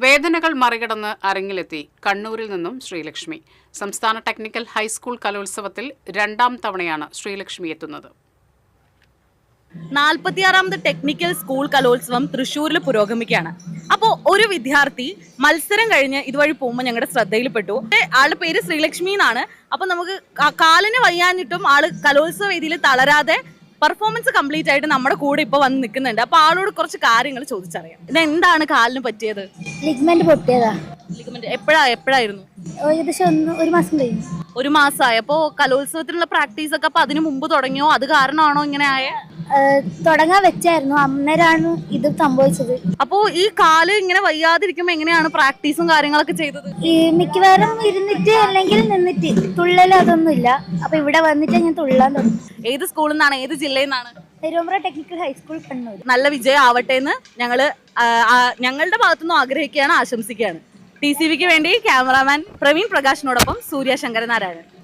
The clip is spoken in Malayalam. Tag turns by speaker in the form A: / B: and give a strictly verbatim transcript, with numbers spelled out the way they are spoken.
A: വേദനകൾ മറികടന്ന് അരങ്ങിലെത്തി കണ്ണൂരിൽ നിന്നും ശ്രീലക്ഷ്മി. സംസ്ഥാന ടെക്നിക്കൽ ഹൈസ്കൂൾ കലോത്സവത്തിൽ രണ്ടാം തവണയാണ് ശ്രീലക്ഷ്മി എത്തുന്നത്.
B: നാൽപ്പത്തിയാറാമത് ടെക്നിക്കൽ സ്കൂൾ കലോത്സവം തൃശ്ശൂരിൽ പുരോഗമിക്കുകയാണ്. അപ്പോൾ ഒരു വിദ്യാർത്ഥി മത്സരം കഴിഞ്ഞ് ഇതുവഴി പോകുമ്പോൾ ഞങ്ങളുടെ ശ്രദ്ധയിൽപ്പെട്ടു. ആളുടെ പേര് ശ്രീലക്ഷ്മി എന്നാണ്. അപ്പോൾ നമുക്ക് കാലിന് വയ്യാഞ്ഞിട്ടും ആള് കലോത്സവ വേദിയിൽ തളരാതെ പെർഫോമൻസ് കംപ്ലീറ്റ് ആയിട്ട് നമ്മുടെ കൂടെ ഇപ്പൊ വന്ന് നിൽക്കുന്നുണ്ട്. അപ്പൊ ആളോട് കുറച്ച് കാര്യങ്ങൾ ചോദിച്ചറിയാം. ഇത് എന്താണ് കാലിന് പറ്റിയത്?
C: ലിഗ്മെന്റ് പൊട്ടിയതാ.
B: ലിഗ്മെന്റ് എപ്പോഴാ എപ്പോഴായിരുന്നു?
C: ഏകദേശം ഒരു മാസം കഴിഞ്ഞു.
B: ഒരു മാസമായി. അപ്പോ കലോത്സവത്തിനുള്ള പ്രാക്ടീസ് ഒക്കെ അപ്പൊ അതിന് മുമ്പ് തുടങ്ങിയോ? അത് കാരണമാണോ ഇങ്ങനെ ആയ?
C: തുടങ്ങാൻ വെച്ചായിരുന്നു, അന്നേരമാണ് ഇത് സംഭവിച്ചത്.
B: അപ്പോ ഈ കാല് ഇങ്ങനെ വയ്യാതിരിക്കുമ്പോ എങ്ങനെയാണ് പ്രാക്ടീസും കാര്യങ്ങളൊക്കെ ചെയ്തത്?
C: ഈ മിക്കവാറും ഇരുന്നിട്ട് അല്ലെങ്കിൽ നിന്നിട്ട്, തുള്ളൽ അതൊന്നും ഇല്ല. അപ്പൊ ഇവിടെ വന്നിട്ട് ഞാൻ തുള്ളാൻ തുടങ്ങി.
B: ഏത് സ്കൂളിൽ നിന്നാണ്, ഏത് ജില്ലയിൽ നിന്നാണ്?
C: Thiruvambra technical high school Kannur.
B: നല്ല വിജയം ആവട്ടെ എന്ന് ഞങ്ങള് ഞങ്ങളുടെ ഭാഗത്തുനിന്നും ആഗ്രഹിക്കുകയാണ്, ആശംസിക്കുകയാണ്. ടി സി വിക്ക് വേണ്ടി ക്യാമറാമാൻ പ്രവീൺ പ്രകാശിനോടൊപ്പം സൂര്യ ശങ്കരനാരായണൻ.